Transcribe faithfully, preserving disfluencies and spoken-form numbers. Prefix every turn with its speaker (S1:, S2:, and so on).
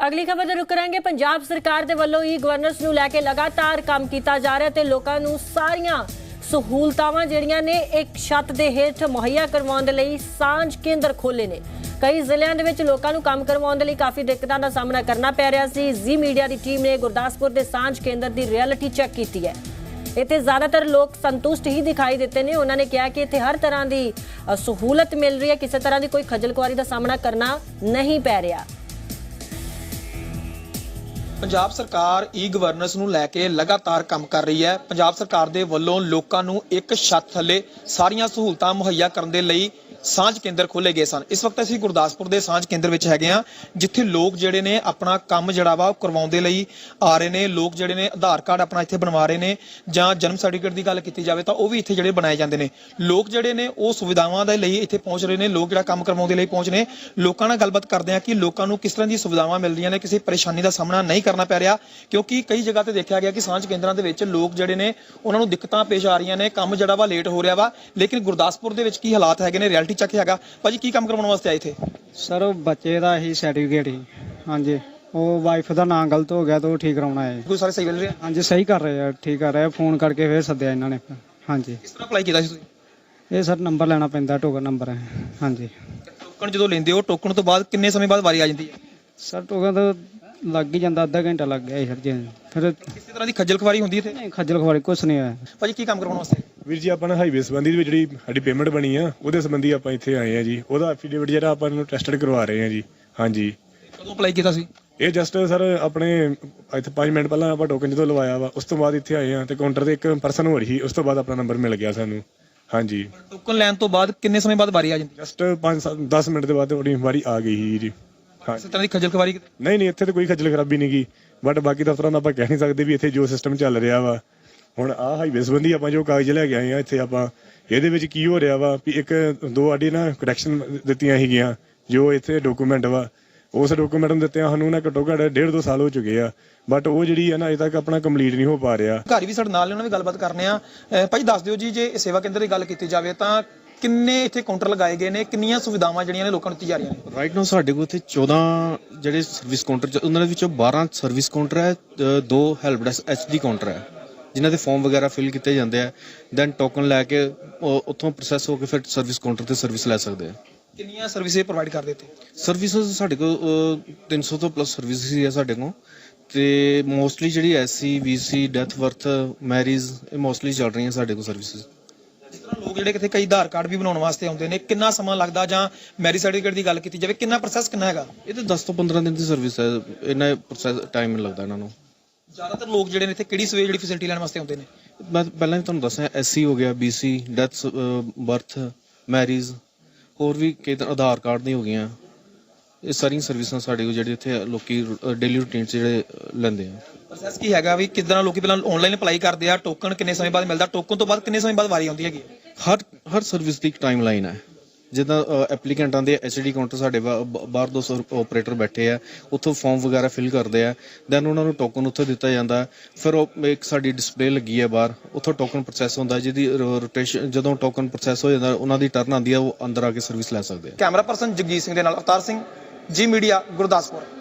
S1: ਅਗਲੀ ਖਬਰ ਤੇ ਰੁਕ ਕਰਾਂਗੇ। ਪੰਜਾਬ ਸਰਕਾਰ ਦੇ ਵੱਲੋਂ ਹੀ ਗਵਰਨਰਸ ਨੂੰ ਲੈ ਕੇ ਲਗਾਤਾਰ ਕੰਮ ਕੀਤਾ ਜਾ ਰਿਹਾ ਤੇ ਲੋਕਾਂ ਨੂੰ ਸਾਰੀਆਂ ਸਹੂਲਤਾਵਾਂ ਜਿਹੜੀਆਂ ਨੇ ਇੱਕ ਛੱਤ ਦੇ ਹੇਠ ਮੁਹੱਈਆ ਕਰਵਾਉਣ ਦੇ ਲਈ ਸਾਂਝ ਕੇਂਦਰ ਖੋਲੇ ਨੇ। ਕਈ ਜ਼ਿਲ੍ਹਿਆਂ ਦੇ ਵਿੱਚ ਲੋਕਾਂ ਨੂੰ ਕੰਮ ਕਰਵਾਉਣ ਦੇ ਲਈ ਕਾਫੀ ਦਿੱਕਤਾਂ ਦਾ ਸਾਹਮਣਾ ਕਰਨਾ ਪੈ ਰਿਹਾ ਸੀ। ਜ਼ੀ ਮੀਡੀਆ ਦੀ ਟੀਮ ਨੇ ਗੁਰਦਾਸਪੁਰ ਦੇ ਸਾਂਝ ਕੇਂਦਰ ਦੀ ਰਿਐਲਿਟੀ ਚੈੱਕ ਕੀਤੀ ਹੈ। ਇੱਥੇ ਜ਼ਿਆਦਾਤਰ ਲੋਕ ਸੰਤੁਸ਼ਟ ਹੀ ਦਿਖਾਈ ਦਿੱਤੇ ਨੇ। ਉਹਨਾਂ ਨੇ ਕਿਹਾ ਕਿ ਇੱਥੇ ਹਰ ਤਰ੍ਹਾਂ ਦੀ ਸਹੂਲਤ ਮਿਲ ਰਹੀ ਹੈ, ਕਿਸੇ ਤਰ੍ਹਾਂ ਦੀ ਕੋਈ ਖੱਜਲ ਖੁਆਰੀ ਦਾ ਸਾਹਮਣਾ ਕਰਨਾ ਨਹੀਂ ਪੈ ਰਿਹਾ।
S2: ਪੰਜਾਬ ਸਰਕਾਰ ਈ ਗਵਰਨੈਂਸ ਨੂੰ ਲੈ ਕੇ ਲਗਾਤਾਰ ਕੰਮ ਕਰ ਰਹੀ ਹੈ। ਪੰਜਾਬ ਸਰਕਾਰ ਦੇ ਵੱਲੋਂ ਲੋਕਾਂ ਨੂੰ ਇੱਕ ਛੱਤ ਥੱਲੇ ਸਾਰੀਆਂ ਸਹੂਲਤਾਂ ਮੁਹੱਈਆ ਕਰਨ ਦੇ ਲਈ ਸਾਂਝ ਕੇਂਦਰ ਖੋਲੇ ਗਏ ਸਨ। ਇਸ ਵਕਤ ਅਸੀਂ ਗੁਰਦਾਸਪੁਰ ਦੇ ਸਾਂਝ ਕੇਂਦਰ ਵਿੱਚ ਹੈਗੇ ਆ, ਜਿੱਥੇ ਲੋਕ ਜਿਹੜੇ ਨੇ ਆਪਣਾ ਕੰਮ ਜਿਹੜਾ ਵਾ ਉਹ ਕਰਵਾਉਣ ਦੇ ਲਈ ਆ ਰਹੇ ਨੇ। ਲੋਕ ਜਿਹੜੇ ਨੇ ਆਧਾਰ ਕਾਰਡ ਆਪਣਾ ਇੱਥੇ ਬਣਵਾ ਰਹੇ ਨੇ, ਜਾਂ ਜਨਮ ਸਰਟੀਫਿਕੇਟ ਦੀ ਗੱਲ ਕੀਤੀ ਜਾਵੇ ਤਾਂ ਉਹ ਵੀ ਇੱਥੇ ਜਿਹੜੇ ਬਣਾਏ ਜਾਂਦੇ ਨੇ। ਲੋਕ ਜਿਹੜੇ ਨੇ ਉਹ ਸੁਵਿਧਾਵਾਂ ਦੇ ਲਈ ਇੱਥੇ ਪਹੁੰਚ ਰਹੇ ਨੇ। ਲੋਕ ਜਿਹੜਾ ਕੰਮ ਕਰਵਾਉਣ ਦੇ ਲਈ ਪਹੁੰਚ ਨੇ। ਲੋਕਾਂ ਨਾਲ ਗੱਲਬਾਤ ਕਰਦੇ ਆ ਕਿ ਲੋਕਾਂ ਨੂੰ ਕਿਸ ਤਰ੍ਹਾਂ ਦੀ ਸੁਵਿਧਾਵਾਂ ਮਿਲ ਰਹੀਆਂ ਨੇ, ਕਿਸੇ ਪਰੇਸ਼ਾਨੀ ਦਾ ਸਾਹਮਣਾ ਨਹੀਂ ਕਰਨਾ ਪੈ ਰਿਹਾ, ਕਿਉਂਕਿ ਕਈ ਜਗ੍ਹਾ ਤੇ ਦੇਖਿਆ ਗਿਆ ਕਿ ਸਾਂਝ ਕੇਂਦਰਾਂ ਦੇ ਵਿੱਚ ਲੋਕ ਜਿਹੜੇ ਨੇ ਉਹਨਾਂ ਨੂੰ ਦਿੱਕਤਾਂ ਪੇਸ਼ ਆ ਰਹੀਆਂ ਨੇ। ਕੰਮ ਜਿਹੜਾ ਵਾ ਲੇਟ ਹੋ ਰਿਹਾ ਵਾ। ਲੇਕਿਨ ਗੁਰਦਾਸਪੁਰ ਦੇ ਵਿੱਚ ਕੀ ਹਾਲਾਤ ਹੈਗੇ ਨੇ, ਰਿਐਲਿਟੀ ਚੈੱਕ ਹੈਗਾ। ਭਾਜੀ ਕੀ ਕੰਮ ਕਰਵਾਉਣ ਵਾਸਤੇ ਆਏ ਇੱਥੇ?
S3: ਸਰ ਬੱਚੇ ਦਾ ਹੀ ਸਰਟੀਫਿਕੇਟ ਹੀ, ਹਾਂਜੀ ਉਹ ਵਾਈਫ ਦਾ ਨਾਮ ਗਲਤ ਹੋ ਗਿਆ ਤਾਂ ਉਹ ਠੀਕ ਕਰਾਉਣਾ ਹੈ।
S2: ਕੋਈ ਸਾਰੇ ਸਹੀ ਮਿਲ ਰਿਹਾ?
S3: ਹਾਂਜੀ ਸਹੀ ਕਰ ਰਹੇ ਆ, ਠੀਕ ਕਰ ਰਹੇ ਆ। ਫੋਨ ਕਰਕੇ ਫਿਰ ਸੱਦਿਆ ਇਹਨਾਂ ਨੇ। ਹਾਂਜੀ
S2: ਕਿਸ ਤਰ੍ਹਾਂ ਅਪਲਾਈ ਕੀਤਾ ਸੀ ਤੁਸੀਂ?
S3: ਇਹ ਸਰ ਨੰਬਰ ਲੈਣਾ ਪੈਂਦਾ, ਟੋਕਨ ਨੰਬਰ ਹੈ। ਹਾਂਜੀ
S2: ਟੋਕਨ ਜਦੋਂ ਲੈਂਦੇ ਹੋ, ਟੋਕਨ ਤੋਂ ਬਾਅਦ ਕਿੰਨੇ ਸਮੇਂ ਬਾਅਦ ਵਾਰੀ ਆ ਜਾਂਦੀ ਹੈ?
S3: ਸਰ ਟੋਕਨ ਤਾਂ ਲੱਗ ਹੀ ਜਾਂਦਾ, ਅੱਧਾ ਘੰਟਾ ਲੱਗ ਗਿਆ ਸਰ ਜੀ। ਫਿਰ
S2: ਕਿਸੇ ਤਰ੍ਹਾਂ ਦੀ ਖੱਜਲ ਖਵਾਰੀ ਹੁੰਦੀ ਇੱਥੇ?
S3: ਨਹੀਂ ਖੱਜਲ ਖਵਾਰੀ ਕੁਛ ਨਹੀਂ ਹੋਇਆ।
S2: ਭਾਜੀ ਕੀ ਕੰਮ ਕਰਵਾਉਣ ਵਾਸਤੇ?
S4: ਵੀਰ ਜੀ ਆਪਾਂ ਹਾਈਵੇ ਸੰਬੰਧੀ ਵਿੱਚ ਜਿਹੜੀ ਸਾਡੀ ਪੇਮੈਂਟ ਬਣੀ ਆ ਉਹਦੇ ਸੰਬੰਧੀ ਆਪਾਂ ਇੱਥੇ ਆਏ ਆ ਜੀ। ਉਹਦਾ ਐਫੀਡੇਵਿਟ ਜਿਹੜਾ ਆਪਾਂ ਨੂੰ ਟੈਸਟਡ ਕਰਵਾ ਰਹੇ ਆ ਜੀ। ਹਾਂਜੀ
S2: ਕਦੋਂ ਅਪਲਾਈ ਕੀਤਾ ਸੀ?
S4: ਇਹ ਜਸਟ ਸਰ ਆਪਣੇ ਇੱਥੇ ਪੰਜ ਮਿੰਟ ਪਹਿਲਾਂ ਆਪਾਂ ਟੋਕਨ ਜਦੋਂ ਲਵਾਇਆ ਵਾ, ਉਸ ਤੋਂ ਬਾਅਦ ਇੱਥੇ ਆਏ ਆ ਤੇ ਕਾਊਂਟਰ ਤੇ ਇੱਕ ਪਰਸਨ ਹੋ ਰਹੀ ਸੀ। ਉਸ ਤੋਂ ਬਾਅਦ ਆਪਣਾ ਨੰਬਰ ਮਿਲ ਗਿਆ ਸਾਨੂੰ। ਹਾਂਜੀ
S2: ਟੋਕਨ ਲੈਣ ਤੋਂ ਬਾਅਦ ਕਿੰਨੇ ਸਮੇਂ ਬਾਅਦ ਵਾਰੀ ਆ ਜਾਂਦੀ?
S4: ਜਸਟ ਪੰਜ ਦਸ ਮਿੰਟ ਦੇ ਬਾਅਦ ਤੁਹਾਡੀ ਵਾਰੀ ਆ ਗਈ ਸੀ ਜੀ। ਹਾਂ
S2: ਕਿਸੇ ਤਰ੍ਹਾਂ ਦੀ ਖੱਜਲ ਖਵਾਰੀ?
S4: ਨਹੀਂ ਨਹੀਂ ਇੱਥੇ ਤਾਂ ਕੋਈ ਖੱਜਲ ਖਰਾਬੀ ਨਹੀਂ ਗਈ, ਬਟ ਬਾਕੀ ਦਫ਼ਤਰਾਂ ਦਾ ਆਪਾਂ ਕਹਿ ਨਹੀਂ ਸਕਦੇ ਵੀ ਇੱਥੇ ਜੋ ਸਿਸਟਮ ਚੱਲ ਰਿਹਾ ਵਾ। ਹੁਣ ਆਹ ਹਾਈਵੇ ਸੰਬੰਧੀ ਆਪਾਂ ਜੋ ਕਾਗਜ਼ ਲੈ ਕੇ ਆਏ ਆ ਇੱਥੇ, ਆਪਾਂ ਇਹਦੇ ਵਿੱਚ ਕੀ ਹੋ ਰਿਹਾ ਵਾ ਵੀ ਇੱਕ ਦੋ ਆਡੀ ਨਾ ਕਰੈਕਸ਼ਨ ਦਿੱਤੀਆਂ ਸੀਗੀਆਂ ਜੋ ਇੱਥੇ ਡਾਕੂਮੈਂਟ ਵਾ। ਉਸ ਡਾਕੂਮੈਂਟ ਨੂੰ ਦਿੱਤਿਆਂ ਸਾਨੂੰ ਨਾ ਘੱਟੋ ਘੱਟ ਡੇਢ ਦੋ ਸਾਲ ਹੋ ਚੁੱਕੇ ਆ, ਬਟ ਉਹ ਜਿਹੜੀ ਹੈ ਨਾ ਅਜੇ ਤੱਕ ਆਪਣਾ ਕੰਪਲੀਟ ਨਹੀਂ ਹੋ ਪਾ ਰਿਹਾ।
S2: ਘਰ ਵੀ ਸਾਡੇ ਨਾਲ ਨੇ, ਉਹਨਾਂ ਵੀ ਗੱਲਬਾਤ ਕਰਨੇ ਆ। ਭਾਈ ਦੱਸ ਦਿਓ ਜੀ, ਜੇ ਸੇਵਾ ਕੇਂਦਰ ਦੀ ਗੱਲ ਕੀਤੀ ਜਾਵੇ ਤਾਂ ਕਿੰਨੇ ਇੱਥੇ ਕਾਊਂਟਰ ਲਗਾਏ ਗਏ ਨੇ, ਕਿੰਨੀਆਂ ਸੁਵਿਧਾਵਾਂ ਜਿਹੜੀਆਂ ਨੇ ਲੋਕਾਂ ਨੂੰ ਦਿੱਤੀ ਜਾ ਰਹੀਆਂ ਨੇ?
S5: ਰਾਈਟ ਨਾਓ ਸਾਡੇ ਕੋਲ ਇੱਥੇ ਚੌਦਾਂ ਜਿਹੜੇ ਸਰਵਿਸ ਕਾਊਂਟਰ, ਉਹਨਾਂ ਦੇ ਵਿੱਚੋਂ ਬਾਰਾਂ ਸਰਵਿਸ ਕਾਊਂਟਰ ਹੈ, ਦੋ help desk H D counter ਹੈ, ਜਿਨ੍ਹਾਂ ਦੇ ਫਾਰਮ ਵਗੈਰਾ ਫਿਲ ਕੀਤੇ ਜਾਂਦੇ ਆ। ਦੈਨ ਟੋਕਨ ਲੈ ਕੇ ਉੱਥੋਂ ਪ੍ਰੋਸੈਸ ਹੋ ਕੇ ਫਿਰ ਸਰਵਿਸ ਕਾਊਂਟਰ ਤੇ ਸਰਵਿਸ ਲੈ ਸਕਦੇ ਆ।
S2: ਕਿੰਨੀਆਂ ਸਰਵਿਸਿਜ਼ ਪ੍ਰੋਵਾਈਡ ਕਰਦੇ ਇੱਥੇ?
S5: ਸਰਵਿਸਿਜ਼ ਸਾਡੇ ਕੋਲ ਤਿੰਨ ਸੌ ਤੋਂ ਪਲੱਸ ਸਰਵਿਸਿਜ਼ ਹੀ ਆ ਸਾਡੇ ਕੋਲ, ਤੇ ਮੋਸਟਲੀ ਜਿਹੜੀ S C B C death birth marriage ਇਹ ਮੋਸਟਲੀ ਚੱਲ ਰਹੀਆਂ ਸਾਡੇ ਕੋਲ ਸਰਵਿਸਿਜ਼।
S2: ਜਿਸ ਤਰ੍ਹਾਂ ਲੋਕ ਜਿਹੜੇ ਕਿਤੇ ਕਈ ਆਧਾਰ ਕਾਰਡ ਵੀ ਬਣਾਉਣ ਵਾਸਤੇ ਆਉਂਦੇ ਨੇ, ਕਿੰਨਾ ਸਮਾਂ ਲੱਗਦਾ? ਜਾਂ ਮੈਰਿਜ ਸਰਟੀਫਿਕੇਟ ਦੀ ਗੱਲ ਕੀਤੀ ਜਾਵੇ, ਕਿੰਨਾ ਪ੍ਰੋਸੈਸ ਕਿੰਨਾ ਹੈਗਾ?
S5: ਇਹ ਤਾਂ ਦਸ ਤੋਂ ਪੰਦਰਾਂ ਦਿਨ ਦੀ ਸਰਵਿਸ ਹੈ, ਇੰਨਾ ਪ੍ਰੋਸੈਸ ਟਾਈਮ ਲੱਗਦਾ ਇਹਨਾਂ ਨੂੰ।
S2: ਜ਼ਿਆਦਾਤਰ ਲੋਕ ਜਿਹੜੇ ਨੇ ਇੱਥੇ ਕਿਹੜੀ ਸਵੇ ਜਿਹੜੀ ਫੈਸਿਲਿਟੀ ਲੈਣ ਵਾਸਤੇ ਆਉਂਦੇ ਨੇ?
S5: ਮੈਂ ਪਹਿਲਾਂ ਵੀ ਤੁਹਾਨੂੰ ਦੱਸਿਆ, ਐਸ ਸੀ ਹੋ ਗਿਆ, B C death birth marriage, ਹੋਰ ਵੀ ਕਈ ਤਰ੍ਹਾਂ ਆਧਾਰ ਕਾਰਡ ਦੀਆਂ ਹੋ ਗਈਆਂ। ਇਹ ਸਾਰੀਆਂ ਸਰਵਿਸਾਂ ਸਾਡੇ ਕੋਲ ਜਿਹੜੇ ਇੱਥੇ ਲੋਕੀ ਡੇਲੀ ਰੂਟੀਨ 'ਚ ਜਿਹੜੇ ਲੈਂਦੇ ਆ।
S2: ਪ੍ਰੋਸੈਸ ਕੀ ਹੈਗਾ ਵੀ ਕਿੱਦਾਂ ਲੋਕੀ ਪਹਿਲਾਂ ਆਨਲਾਈਨ ਅਪਲਾਈ ਕਰਦੇ ਆ? ਟੋਕਨ ਕਿੰਨੇ ਸਮੇਂ ਬਾਅਦ ਮਿਲਦਾ? ਟੋਕਨ ਤੋਂ ਬਾਅਦ ਕਿੰਨੇ ਸਮੇਂ ਬਾਅਦ ਵਾਰੀ ਆਉਂਦੀ ਹੈਗੀ?
S5: ਹਰ ਹਰ ਸਰਵਿਸ ਦੀ ਇੱਕ ਟਾਈਮ ਲਾਈਨ ਹੈ। ਜਿੱਦਾਂ ਐਪਲੀਕੈਂਟਾਂ ਦੇ ਐਚ ਡੀ ਕਾਊਂਟਰ ਸਾਡੇ ਬਾਹਰ ਦੋ ਆਪਰੇਟਰ ਬੈਠੇ ਆ, ਉੱਥੋਂ ਫਾਰਮ ਵਗੈਰਾ ਫਿਲ ਕਰਦੇ ਆ। ਦੈਨ ਉਹਨਾਂ ਨੂੰ ਟੋਕਨ ਉੱਥੇ ਦਿੱਤਾ ਜਾਂਦਾ। ਫਿਰ ਉਹ ਇੱਕ ਸਾਡੀ ਡਿਸਪਲੇ ਲੱਗੀ ਹੈ ਬਾਹਰ, ਉੱਥੋਂ ਟੋਕਨ ਪ੍ਰੋਸੈਸ ਹੁੰਦਾ, ਜਿਹਦੀ ਰੋਟੇਸ਼ਨ ਜਦੋਂ ਟੋਕਨ ਪ੍ਰੋਸੈਸ ਹੋ ਜਾਂਦਾ ਉਹਨਾਂ ਦੀ ਟਰਨ ਆਉਂਦੀ ਆ, ਉਹ ਅੰਦਰ ਆ ਕੇ ਸਰਵਿਸ ਲੈ ਸਕਦੇ ਆ।
S2: ਕੈਮਰਾ ਪਰਸਨ ਜਗਜੀਤ ਸਿੰਘ ਦੇ ਨਾਲ ਅਵਤਾਰ ਸਿੰਘ, ਜੀ ਮੀਡੀਆ, ਗੁਰਦਾਸਪੁਰ।